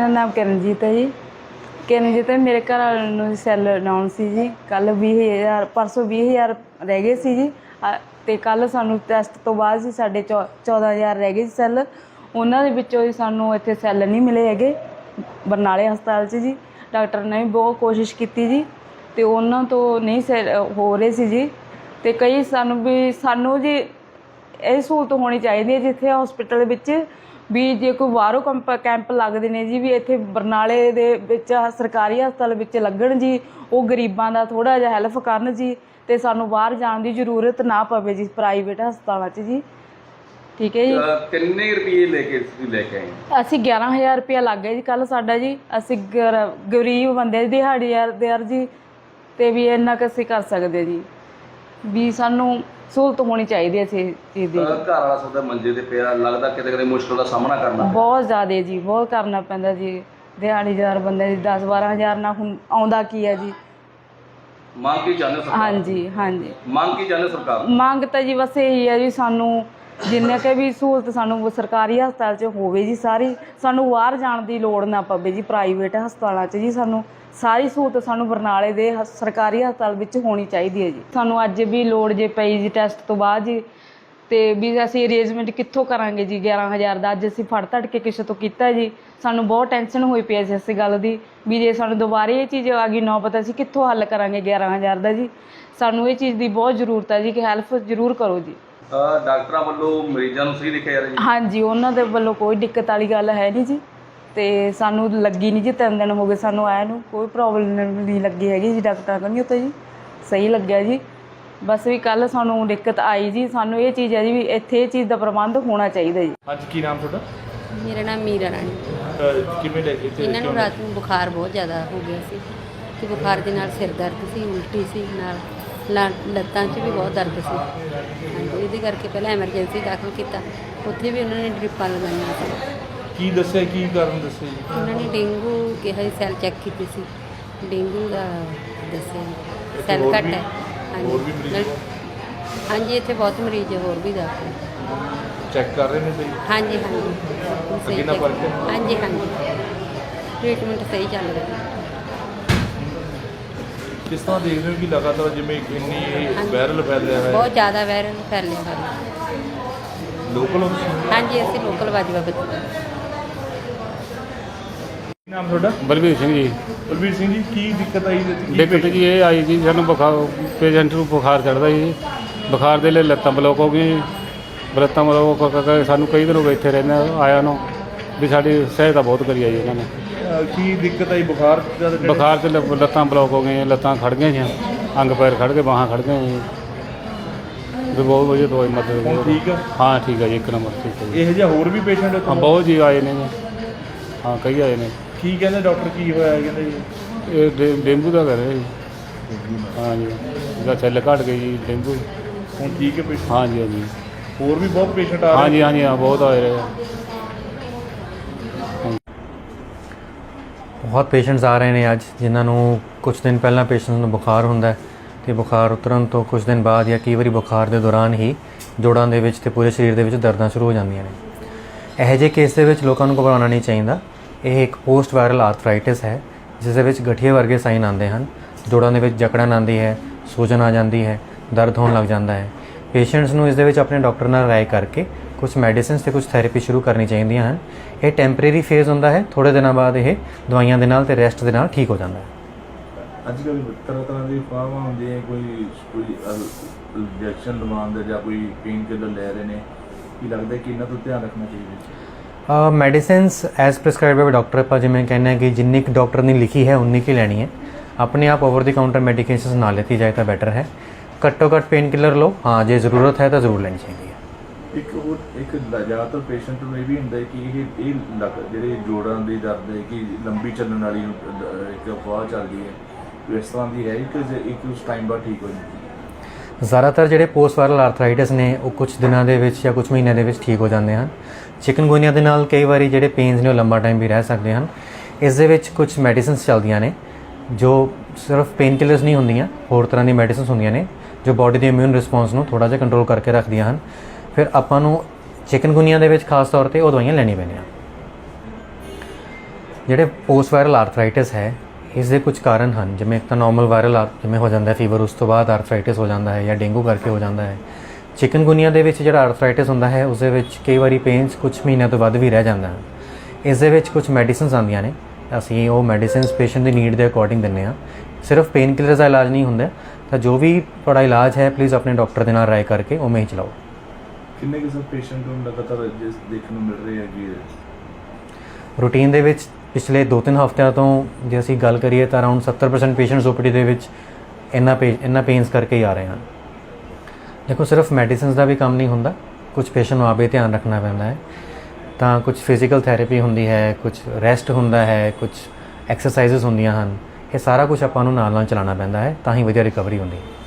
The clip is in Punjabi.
ਮੇਰਾ ਨਾਮ ਕਿਰਨਜੀਤ ਹੈ ਜੀ। ਕਿਰਨਜੀਤ ਹੈ। ਮੇਰੇ ਘਰ ਵਾਲੇ ਨੂੰ ਸੈੱਲ ਡਾਊਨ ਸੀ ਜੀ। ਕੱਲ੍ਹ 20,000 ਪਰਸੋਂ 20,000 ਰਹਿ ਗਏ ਸੀ ਜੀ। ਅਤੇ ਕੱਲ੍ਹ ਸਾਨੂੰ ਟੈਸਟ ਤੋਂ ਬਾਅਦ ਜੀ ਸਾਡੇ 14,000 ਰਹਿ ਗਏ ਸੀ ਸੈੱਲ। ਉਹਨਾਂ ਦੇ ਵਿੱਚੋਂ ਜੀ ਸਾਨੂੰ ਇੱਥੇ ਸੈੱਲ ਨਹੀਂ ਮਿਲੇ ਹੈਗੇ ਬਰਨਾਲੇ ਹਸਪਤਾਲ 'ਚ ਜੀ। ਡਾਕਟਰ ਨੇ ਵੀ ਬਹੁਤ ਕੋਸ਼ਿਸ਼ ਕੀਤੀ ਜੀ ਅਤੇ ਉਹਨਾਂ ਤੋਂ ਨਹੀਂ ਹੋ ਰਹੇ ਸੀ ਜੀ। ਅਤੇ ਕਈ ਸਾਨੂੰ ਜੀ ਇਹ ਸਹੂਲਤ ਹੋਣੀ ਚਾਹੀਦੀ ਹੈ ਜਿੱਥੇ ਹੋਸਪਿਟਲ ਵਿੱਚ ਵੀ ਜੇ ਕੋਈ ਬਾਹਰੋਂ ਕੈਂਪ ਲੱਗਦੇ ਨੇ ਜੀ ਵੀ ਇੱਥੇ ਬਰਨਾਲੇ ਦੇ ਵਿੱਚ ਸਰਕਾਰੀ ਹਸਪਤਾਲ ਵਿੱਚ ਲੱਗਣ ਜੀ। ਉਹ ਗਰੀਬਾਂ ਦਾ ਥੋੜ੍ਹਾ ਜਿਹਾ ਹੈਲਪ ਕਰਨ ਜੀ ਅਤੇ ਸਾਨੂੰ ਬਾਹਰ ਜਾਣ ਦੀ ਜ਼ਰੂਰਤ ਨਾ ਪਵੇ ਜੀ ਪ੍ਰਾਈਵੇਟ ਹਸਪਤਾਲਾਂ 'ਚ ਜੀ। ਠੀਕ ਹੈ ਜੀ। ਕਿੰਨੇ ਰੁਪਏ ਲੈ ਕੇ ਆਏ? ਅਸੀਂ 11,000 ਰੁਪਇਆ ਲੱਗ ਗਿਆ ਜੀ ਕੱਲ੍ਹ ਸਾਡਾ ਜੀ। ਅਸੀਂ ਗਰੀਬ ਬੰਦੇ ਦਿਹਾੜੀਦਾਰ ਜੀ ਅਤੇ ਵੀ ਇੰਨਾ ਕੁ ਅਸੀਂ ਕਰ ਸਕਦੇ ਜੀ ਵੀ ਸਾਨੂੰ ਸਹੂਲਤ ਹੋਣੀ ਚਾਹੀਦੀ ਹੈ ਇਸ ਚੀਜ਼ ਦੀ। ਘਰ ਵਾਲਾ ਤੁਹਾਡਾ ਮੰਜੇ ਤੇ ਪਿਆ, ਲੱਗਦਾ ਕਿਤੇ ਕਿਤੇ ਮੁਸ਼ਕਲ ਦਾ ਸਾਹਮਣਾ ਕਰਨਾ ਬਹੁਤ ਜ਼ਿਆਦਾ ਜੀ, ਬਹੁਤ ਕਰਨਾ ਪੈਂਦਾ ਜੀ। ਦਿਹਾੜੀਦਾਰ ਬੰਦੇ ਦੀ 10-12,000 ਨਾਲ ਹੁਣ ਆਉਂਦਾ ਕੀ ਹੈ ਜੀ। ਮੰਗ ਕੀ ਚਾਹੁੰਦੇ ਸਰਕਾਰ? ਹਾਂਜੀ ਹਾਂਜੀ, ਮੰਗ ਕੀ ਚਾਹੁੰਦੇ ਸਰਕਾਰ? ਮੰਗ ਤਾਂ ਜੀ ਬਸ ਇਹੀ ਹੈ ਜੀ ਸਾਨੂੰ ਜਿੰਨੇ ਕੁ ਵੀ ਸਹੂਲਤ ਸਾਨੂੰ ਸਰਕਾਰੀ ਹਸਪਤਾਲ 'ਚ ਹੋਵੇ ਜੀ ਸਾਰੀ। ਸਾਨੂੰ ਬਾਹਰ ਜਾਣ ਦੀ ਲੋੜ ਨਾ ਪਵੇ ਜੀ ਪ੍ਰਾਈਵੇਟ ਹਸਪਤਾਲਾਂ 'ਚ ਜੀ। ਸਾਨੂੰ ਸਾਰੀ ਸਹੂਲਤ ਸਾਨੂੰ ਬਰਨਾਲੇ ਦੇ ਸਰਕਾਰੀ ਹਸਪਤਾਲ ਵਿੱਚ ਹੋਣੀ ਚਾਹੀਦੀ ਹੈ ਜੀ। ਸਾਨੂੰ ਅੱਜ ਵੀ ਲੋੜ ਜੇ ਪਈ ਜੀ ਟੈਸਟ ਤੋਂ ਬਾਅਦ ਜੀ ਅਤੇ ਵੀ ਅਸੀਂ ਅਰੇਂਜਮੈਂਟ ਕਿੱਥੋਂ ਕਰਾਂਗੇ ਜੀ 11,000 ਦਾ। ਅੱਜ ਅਸੀਂ ਫੜ ਤੜ ਕੇ ਕਿਸੇ ਤੋਂ ਕੀਤਾ ਜੀ। ਸਾਨੂੰ ਬਹੁਤ ਟੈਨਸ਼ਨ ਹੋਈ ਪਈ ਸੀ ਇਸ ਗੱਲ ਦੀ ਵੀ ਜੇ ਸਾਨੂੰ ਦੁਬਾਰੇ ਇਹ ਚੀਜ਼ ਆ ਗਈ ਨੌਬਤ ਅਸੀਂ ਕਿੱਥੋਂ ਹੱਲ ਕਰਾਂਗੇ 11,000 ਦਾ ਜੀ। ਸਾਨੂੰ ਇਹ ਚੀਜ਼ ਦੀ ਬਹੁਤ ਜ਼ਰੂਰਤ ਹੈ ਜੀ ਕਿ ਹੈਲਪ ਜ਼ਰੂਰ ਕਰੋ ਜੀ। ਡਾਕਟਰਾਂ ਵੱਲੋਂ ਮਰੀਜ਼ਾਂ ਨੂੰ ਸਹੀ ਦੇਖਿਆ ਜਾ ਰਿਹਾ ਜੀ? ਹਾਂਜੀ, ਉਹਨਾਂ ਦੇ ਵੱਲੋਂ ਕੋਈ ਦਿੱਕਤ ਵਾਲੀ ਗੱਲ ਹੈ ਨਹੀਂ ਜੀ। ਅਤੇ ਸਾਨੂੰ ਲੱਗੀ ਨਹੀਂ ਜੀ 3 ਦਿਨ ਹੋ ਗਏ ਸਾਨੂੰ ਆਇਆ ਨੂੰ, ਕੋਈ ਪ੍ਰੋਬਲਮ ਨਹੀਂ ਲੱਗੀ ਹੈਗੀ ਜੀ ਡਾਕਟਰਾਂ ਕੋਲ। ਨਹੀਂ ਉੱਥੇ ਜੀ ਸਹੀ ਲੱਗਿਆ ਜੀ। ਬਸ ਵੀ ਕੱਲ੍ਹ ਸਾਨੂੰ ਦਿੱਕਤ ਆਈ ਜੀ। ਸਾਨੂੰ ਇਹ ਚੀਜ਼ ਹੈ ਜੀ ਵੀ ਇੱਥੇ ਇਹ ਚੀਜ਼ ਦਾ ਪ੍ਰਬੰਧ ਹੋਣਾ ਚਾਹੀਦਾ ਜੀ। ਅੱਜ ਕੀ ਨਾਮ ਤੁਹਾਡਾ? ਮੇਰਾ ਨਾਮ ਮੀਰਾ ਰਾਣੀ। ਕਿਵੇਂ ਲੈ ਕੇ ਇਹਨਾਂ ਨੂੰ ਰਾਤ ਨੂੰ ਬੁਖਾਰ ਬਹੁਤ ਜ਼ਿਆਦਾ ਹੋ ਗਿਆ ਸੀ ਅਤੇ ਬੁਖਾਰ ਦੇ ਨਾਲ ਸਿਰ ਦਰਦ ਸੀ, ਉਲਟੀ ਸੀ, ਨਾਲ ਲੱਤਾਂ 'ਚ ਵੀ ਬਹੁਤ ਦਰਦ ਸੀ। ਹਾਂਜੀ, ਇਹਦੇ ਕਰਕੇ ਪਹਿਲਾਂ ਐਮਰਜੈਂਸੀ ਦਾਖਲ ਕੀਤਾ। ਉੱਥੇ ਵੀ ਉਹਨਾਂ ਨੇ ਡਰਿੱਪਾਂ ਲਗਾਈਆਂ ਸੀ। ਕੀ ਦੱਸਿਆ, ਕੀ ਕਾਰਨ ਦੱਸਿਆ ਜੀ? ਉਹਨਾਂ ਨੇ ਡੇਂਗੂ ਕਿਹਾ ਸੀ, ਸੈੱਲ ਚੈੱਕ ਕੀਤੇ ਸੀ, ਡੇਂਗੂ ਦਾ ਦੱਸਿਆ ਸੈੱਲ ਘੱਟ ਹੈ। ਹਾਂਜੀ ਹਾਂਜੀ, ਇੱਥੇ ਬਹੁਤ ਮਰੀਜ਼ ਹੋਰ ਵੀ ਦਾਖਲ ਚੈੱਕ ਕਰ ਰਹੇ ਨੇ ਸਹੀ? ਹਾਂਜੀ ਹਾਂਜੀ, ਸਹੀ ਕਿੰਨਾ ਫਰਕ ਹੈ? ਹਾਂਜੀ ਹਾਂਜੀ, ਟ੍ਰੀਟਮੈਂਟ ਸਹੀ ਚੱਲ ਰਿਹਾ। ਕਿਸ ਤਰ੍ਹਾਂ ਦੇਖਦੇ ਹੋ ਕਿ ਲਗਾਤਾਰ ਜਿਵੇਂ ਇੰਨੀ ਵਾਇਰਲ ਫੈਲਿਆ ਹੈ? ਬਹੁਤ ਜ਼ਿਆਦਾ ਵਾਇਰਲ ਫੈਲਿਆ ਹੋਇਆ। ਲੋਕਲ ਹੋ? ਹਾਂਜੀ, ਅਸੀਂ ਲੋਕਲ ਬਾਜਵਾ ਬੱਚੇ। ਕੀ ਨਾਮ ਤੁਹਾਡਾ? ਬਲਵੀਰ ਸਿੰਘ ਜੀ। ਬਲਵੀਰ ਸਿੰਘ ਜੀ, ਕੀ ਦਿੱਕਤ ਆਈ? ਦਿੱਕਤ ਜੀ ਇਹ ਆਈ ਜੀ ਸਾਨੂੰ ਪੇਸ਼ੈਂਟ ਨੂੰ ਬੁਖਾਰ ਚੜ੍ਹਦਾ ਜੀ। ਬੁਖਾਰ ਦੇ ਲਈ ਲੱਤਾਂ ਬਲੋਕ ਹੋ ਗਈਆਂ ਜੀ। ਲੱਤਾਂ ਬਲੋਕ ਕਰਕੇ ਸਾਨੂੰ ਕਈ ਦਿਨ ਹੋ ਗਏ ਇੱਥੇ ਰਹਿੰਦੇ ਆਇਆ ਨੂੰ ਵੀ ਸਾਡੀ ਸਹਾਇਤਾ ਬਹੁਤ ਕਰੀ ਆ ਜੀ ਇਹਨਾਂ ਨੇ। ਕੀ ਦਿੱਕਤ ਆਈ? ਬੁਖਾਰ 'ਚ ਲੱਤਾਂ ਬਲੋਕ ਹੋ ਗਈਆਂ, ਲੱਤਾਂ ਖੜ੍ਹ ਗਈਆਂ ਜੀ, ਅੰਗ ਪੈਰ ਖੜ੍ਹ ਗਏ, ਬਾਹਾਂ ਖੜ੍ਹ ਗਈਆਂ ਜੀ। ਵੀ ਬਹੁਤ ਵਧੀਆ ਦਵਾਈ ਮਦਦ। ਠੀਕ ਆ? ਹਾਂ ਠੀਕ ਆ ਜੀ, 1 ਨੰਬਰ ਠੀਕ ਹੈ ਜੀ। ਇਹੋ ਜਿਹਾ ਹੋਰ ਵੀ ਪੇਸ਼ੈਂਟ? ਹਾਂ ਬਹੁਤ ਜੀ ਆਏ ਨੇ ਜੀ। ਹਾਂ ਕਈ ਆਏ ਨੇ। ਕੀ ਕਹਿੰਦੇ ਡਾਕਟਰ? ਕੀ ਹੋਇਆ ਕਹਿੰਦੇ ਜੀ? ਇਹ ਡੇਂਗੂ ਦਾ ਕਰ ਰਿਹਾ ਜੀ। ਹਾਂ ਜੀ, ਇਹਦਾ ਸੈੱਲ ਘੱਟ ਗਏ ਜੀ ਡੇਂਗੂ। ਹੁਣ ਠੀਕ ਹੈ ਪੇਸ਼ੈਂਟ? ਹਾਂਜੀ ਹਾਂਜੀ, ਹੋਰ ਵੀ ਬਹੁਤ ਪੇਸ਼ੈਂਟ ਆ ਰਹੇ? ਹਾਂਜੀ ਹਾਂਜੀ, ਹਾਂ ਬਹੁਤ ਆਏ ਰਹੇ ਆ। ਬਹੁਤ ਪੇਸ਼ੈਂਟਸ ਆ ਰਹੇ ਨੇ ਅੱਜ ਜਿਨ੍ਹਾਂ ਨੂੰ ਕੁਝ ਦਿਨ ਪਹਿਲਾਂ ਪੇਸ਼ੈਂਟਸ ਨੂੰ ਬੁਖਾਰ ਹੁੰਦਾ ਹੈ ਅਤੇ ਬੁਖਾਰ ਉਤਰਨ ਤੋਂ ਕੁਝ ਦਿਨ ਬਾਅਦ ਜਾਂ ਕਈ ਵਾਰੀ ਬੁਖਾਰ ਦੇ ਦੌਰਾਨ ਹੀ ਜੋੜਾਂ ਦੇ ਵਿੱਚ ਅਤੇ ਪੂਰੇ ਸਰੀਰ ਦੇ ਵਿੱਚ ਦਰਦਾਂ ਸ਼ੁਰੂ ਹੋ ਜਾਂਦੀਆਂ ਨੇ। ਇਹੋ ਜਿਹੇ ਕੇਸ ਦੇ ਵਿੱਚ ਲੋਕਾਂ ਨੂੰ ਘਬਰਾਉਣਾ ਨਹੀਂ ਚਾਹੀਦਾ। ਇਹ ਇੱਕ ਪੋਸਟ ਵਾਇਰਲ ਆਰਥਰਾਈਟਿਸ ਹੈ ਜਿਸ ਦੇ ਵਿੱਚ ਗਠੀਏ ਵਰਗੇ ਸਾਈਨ ਆਉਂਦੇ ਹਨ। ਜੋੜਾਂ ਦੇ ਵਿੱਚ ਜਕੜਨ ਆਉਂਦੀ ਹੈ, ਸੂਜਨ ਆ ਜਾਂਦੀ ਹੈ, ਦਰਦ ਹੋਣ ਲੱਗ ਜਾਂਦਾ ਹੈ। ਪੇਸ਼ੈਂਟਸ ਨੂੰ ਇਸ ਦੇ ਵਿੱਚ ਆਪਣੇ ਡਾਕਟਰ ਨਾਲ ਰਾਏ ਕਰਕੇ ਕੁਝ ਮੈਡੀਸਿਨਸ ਅਤੇ ਕੁਝ ਥੈਰੇਪੀ ਸ਼ੁਰੂ ਕਰਨੀ ਚਾਹੀਦੀਆਂ ਹਨ। ਇਹ ਟੈਂਪਰੇਰੀ ਫੇਜ਼ ਹੁੰਦਾ ਹੈ, ਥੋੜ੍ਹੇ ਦਿਨਾਂ ਬਾਅਦ ਇਹ ਦਵਾਈਆਂ ਦੇ ਨਾਲ ਅਤੇ ਰੈਸਟ ਦੇ ਨਾਲ ਠੀਕ ਹੋ ਜਾਂਦਾ ਹੈ। ਅੱਜ ਕੱਲ੍ਹ ਤਰ੍ਹਾਂ ਦੀ ਫਾਰਮਾਂ ਹੁੰਦੀਆਂ, ਕੋਈ ਇੰਜੈਕਸ਼ਨ ਲਵਾਉਣ ਜਾਂ ਕੋਈ ਪੇਨ ਕਿਲਰ ਲੈ ਰਹੇ ਨੇ। ਕੀ ਲੱਗਦਾ ਕਿ ਇਹਨਾਂ ਤੋਂ ਧਿਆਨ ਰੱਖਣਾ ਚਾਹੀਦਾ? Medicines as prescribe by doctor ਆਪਾਂ ਜਿਵੇਂ ਕਹਿੰਦੇ ਹਾਂ ਕਿ ਜਿੰਨੀ ਕੁ ਡਾਕਟਰ ਨੇ ਲਿਖੀ ਹੈ ਉਨੀ ਕੁ ਲੈਣੀ ਹੈ। ਆਪਣੇ ਆਪ ਓਵਰ ਦੀ ਕਾਊਂਟਰ ਮੈਡੀਕੇਸ਼ਨਸ ਨਾ ਲੈਤੀ ਜਾਏ ਤਾਂ ਬੈਟਰ ਹੈ। ਘੱਟੋ ਘੱਟ ਪੇਨ ਕਿਲਰ ਲਓ, ਹਾਂ ਜੇ ਜ਼ਰੂਰਤ ਹੈ ਤਾਂ ਜ਼ਰੂਰ ਲੈਣੀ ਚਾਹੀਦੀ ਹੈ। ਇੱਕ ਜ਼ਿਆਦਾਤਰ ਪੇਸ਼ੈਂਟ ਨੂੰ ਇਹ ਵੀ ਹੁੰਦਾ ਕਿ ਇਹ ਜਿਹੜੇ ਜੋੜਾਂ ਦੀ ਦਰਦ ਹੈ ਕਿ ਲੰਬੀ ਚੱਲਣ ਵਾਲੀ ਇੱਕ ਅਫਵਾਹ ਚੱਲਦੀ ਹੈ, ਇਸ ਤਰ੍ਹਾਂ ਦੀ ਹੈ ਇੱਕ ਉਸ ਟਾਈਮ ਬਾਅਦ ਠੀਕ ਹੋ ਜਾਂਦੀ ਹੈ? ਜ਼ਿਆਦਾਤਰ ਜਿਹੜੇ ਪੋਸਟ ਵਾਇਰਲ ਆਰਥਰਾਈਟਿਸ ਨੇ ਉਹ ਕੁਝ ਦਿਨਾਂ ਦੇ ਵਿੱਚ ਜਾਂ ਕੁਝ ਮਹੀਨਿਆਂ ਦੇ ਵਿੱਚ ਠੀਕ ਹੋ ਜਾਂਦੇ ਹਨ। ਚਿਕਨਗੁਨੀਆ ਦੇ ਨਾਲ ਕਈ ਵਾਰੀ ਜਿਹੜੇ ਪੇਨਸ ਨੇ ਉਹ ਲੰਬਾ ਟਾਈਮ ਵੀ ਰਹਿ ਸਕਦੇ ਹਨ। ਇਸ ਦੇ ਵਿੱਚ ਕੁਝ ਮੈਡੀਸਿਨਸ ਚੱਲਦੀਆਂ ਨੇ ਜੋ ਸਿਰਫ ਪੇਨ ਕਿਲਰਸ ਨਹੀਂ ਹੁੰਦੀਆਂ, ਹੋਰ ਤਰ੍ਹਾਂ ਦੀ ਮੈਡੀਸਿਨਸ ਹੁੰਦੀਆਂ ਨੇ ਜੋ ਬਾਡੀ ਦੇ ਇਮਿਊਨ ਰਿਸਪੌਂਸ ਨੂੰ ਥੋੜ੍ਹਾ ਜਿਹਾ ਕੰਟਰੋਲ ਕਰਕੇ ਰੱਖਦੀਆਂ ਹਨ। ਫਿਰ ਆਪਾਂ ਨੂੰ ਚਿਕਨਗੁਨੀਆ ਦੇ ਵਿੱਚ ਖਾਸ ਤੌਰ 'ਤੇ ਉਹ ਦਵਾਈਆਂ ਲੈਣੀਆਂ ਪੈਂਦੀਆਂ। ਜਿਹੜੇ ਪੋਸਟ ਵਾਇਰਲ ਆਰਥਰਾਈਟਿਸ ਹੈ ਇਸ ਦੇ ਕੁਝ ਕਾਰਨ ਹਨ, ਜਿਵੇਂ ਇੱਕ ਤਾਂ ਨਾਰਮਲ ਵਾਇਰਲ ਜਿਵੇਂ ਹੋ ਜਾਂਦਾ ਫੀਵਰ, ਉਸ ਤੋਂ ਬਾਅਦ ਆਰਥਰਾਈਟਿਸ ਹੋ ਜਾਂਦਾ ਹੈ ਜਾਂ ਡੇਂਗੂ ਕਰਕੇ ਹੋ ਜਾਂਦਾ ਹੈ। ਚਿਕਨਗੁਨੀਆ ਦੇ ਵਿੱਚ ਜਿਹੜਾ ਆਰਥਰਾਈਟਿਸ ਹੁੰਦਾ ਹੈ ਉਸ ਦੇ ਵਿੱਚ ਕਈ ਵਾਰੀ ਪੇਨਸ ਕੁਝ ਮਹੀਨਿਆਂ ਤੋਂ ਵੱਧ ਵੀ ਰਹਿ ਜਾਂਦਾ ਹੈ। ਇਸ ਦੇ ਵਿੱਚ ਕੁਝ ਮੈਡੀਸਿਨਸ ਆਉਂਦੀਆਂ ਨੇ, ਅਸੀਂ ਉਹ ਮੈਡੀਸਿਨਸ ਪੇਸ਼ੈਂਟ ਦੀ ਨੀਡ ਦੇ ਅਕੋਰਡਿੰਗ ਦਿੰਦੇ ਹਾਂ। ਸਿਰਫ ਪੇਨ ਕਿਲਰਸ ਦਾ ਇਲਾਜ ਨਹੀਂ ਹੁੰਦਾ, ਤਾਂ ਜੋ ਵੀ ਤੁਹਾਡਾ ਇਲਾਜ ਹੈ ਪਲੀਜ਼ ਆਪਣੇ ਡਾਕਟਰ ਦੇ ਨਾਲ ਰਾਏ ਕਰਕੇ ਉਵੇਂ ਹੀ ਚਲਾਓ। ਕਿੰਨੇ ਕਿਸੇ ਪੇਸ਼ੈਂਟ ਨੂੰ ਲਗਾਤਾਰ ਜਿਸ ਦੇਖਣ ਨੂੰ ਮਿਲ ਰਹੇ ਹੈ ਕਿ ਰੂਟੀਨ ਦੇ ਵਿੱਚ ਪਿਛਲੇ 2-3 ਹਫ਼ਤਿਆਂ ਤੋਂ ਜੇ ਅਸੀਂ ਗੱਲ ਕਰੀਏ ਤਾਂ ਅਰਾਊਂਡ 70% ਪੇਸ਼ੈਂਟਸ ਓਪੀਡੀ ਦੇ ਵਿੱਚ ਇੰਨਾ ਪੇਨਸ ਕਰਕੇ ਹੀ ਆ ਰਹੇ ਹਨ। ਦੇਖੋ ਸਿਰਫ ਮੈਡੀਸਿਨਸ ਦਾ ਵੀ ਕੰਮ ਨਹੀਂ ਹੁੰਦਾ, ਕੁਝ ਪੇਸ਼ੈਂਟ ਨੂੰ ਆਪੇ ਧਿਆਨ ਰੱਖਣਾ ਪੈਂਦਾ ਹੈ। ਤਾਂ ਕੁਝ ਫਿਜ਼ੀਕਲ ਥੈਰੇਪੀ ਹੁੰਦੀ ਹੈ, ਕੁਝ ਰੈਸਟ ਹੁੰਦਾ ਹੈ, ਕੁਝ ਐਕਸਰਸਾਈਜ਼ਸ ਹੁੰਦੀਆਂ ਹਨ। ਇਹ ਸਾਰਾ ਕੁਝ ਆਪਾਂ ਨੂੰ ਨਾਲ ਨਾਲ ਚਲਾਉਣਾ ਪੈਂਦਾ ਹੈ, ਤਾਂ ਹੀ ਵਧੀਆ ਰਿਕਵਰੀ ਹੁੰਦੀ ਹੈ।